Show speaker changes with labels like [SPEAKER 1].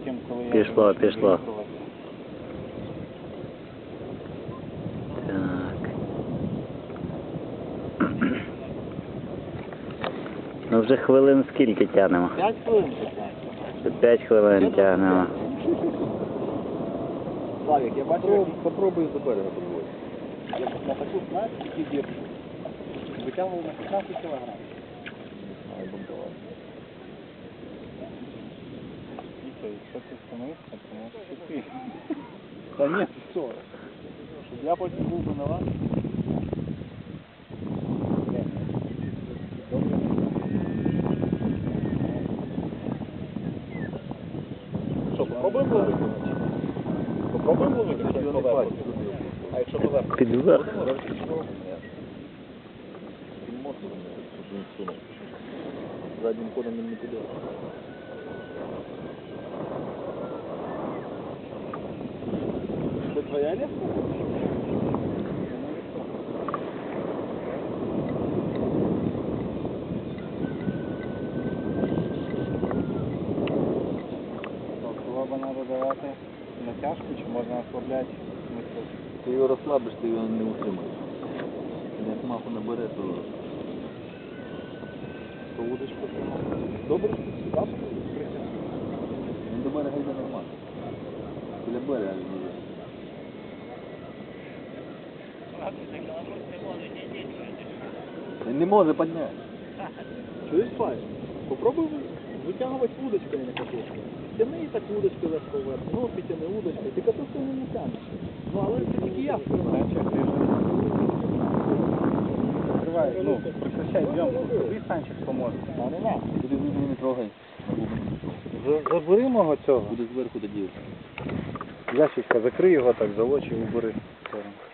[SPEAKER 1] чим коли я...
[SPEAKER 2] Пішло. Так. Ну вже хвилин скільки тягнемо?
[SPEAKER 1] 5 хвилин.
[SPEAKER 2] 5 хвилин тягнемо.
[SPEAKER 1] Славік, я бачу,
[SPEAKER 3] Попробуй до берега підводити.
[SPEAKER 1] я на таку, знаєш, такі дірки. Витягував на 15 кілограм.
[SPEAKER 3] Ай, бунтувати.
[SPEAKER 1] Віка, якщо ти встановився, то можеш піти. Та ні, ти що? Щоб я потім був винуват. Що, попробуємо ловити? Попробуємо ловити, якщо поверху. А якщо поверху?
[SPEAKER 2] Під верх.
[SPEAKER 3] Заднім ходом він не піде.
[SPEAKER 1] Це твоя леска? Кого би треба давати натяжку, чи можна ослабляти?
[SPEAKER 3] Ти його розслабиш, ти його не утримаєш. Як маху набере, то
[SPEAKER 1] Удочку тримати. Добре, що сюди притягнути.
[SPEAKER 3] він до берега йде нормально. Біля берега він йде. Він не може підняти.
[SPEAKER 1] Чуєш, Павел? Попробуй витягувати удочками на катушку. Тяни і так удочки легко вверх. Ну, підтяни удочкою. Ти катушку не тягнеш. Ну, але це тільки я впливаю. Закривай, ну, прекращай зйомку. Тобі Санчик поможе. А не надо.
[SPEAKER 3] Туди глибину не трогай. На глибину не трогай.
[SPEAKER 1] Забери мого цього.
[SPEAKER 3] Буде зверху тоді.
[SPEAKER 1] Ящичка, закрий його так, за очі убери.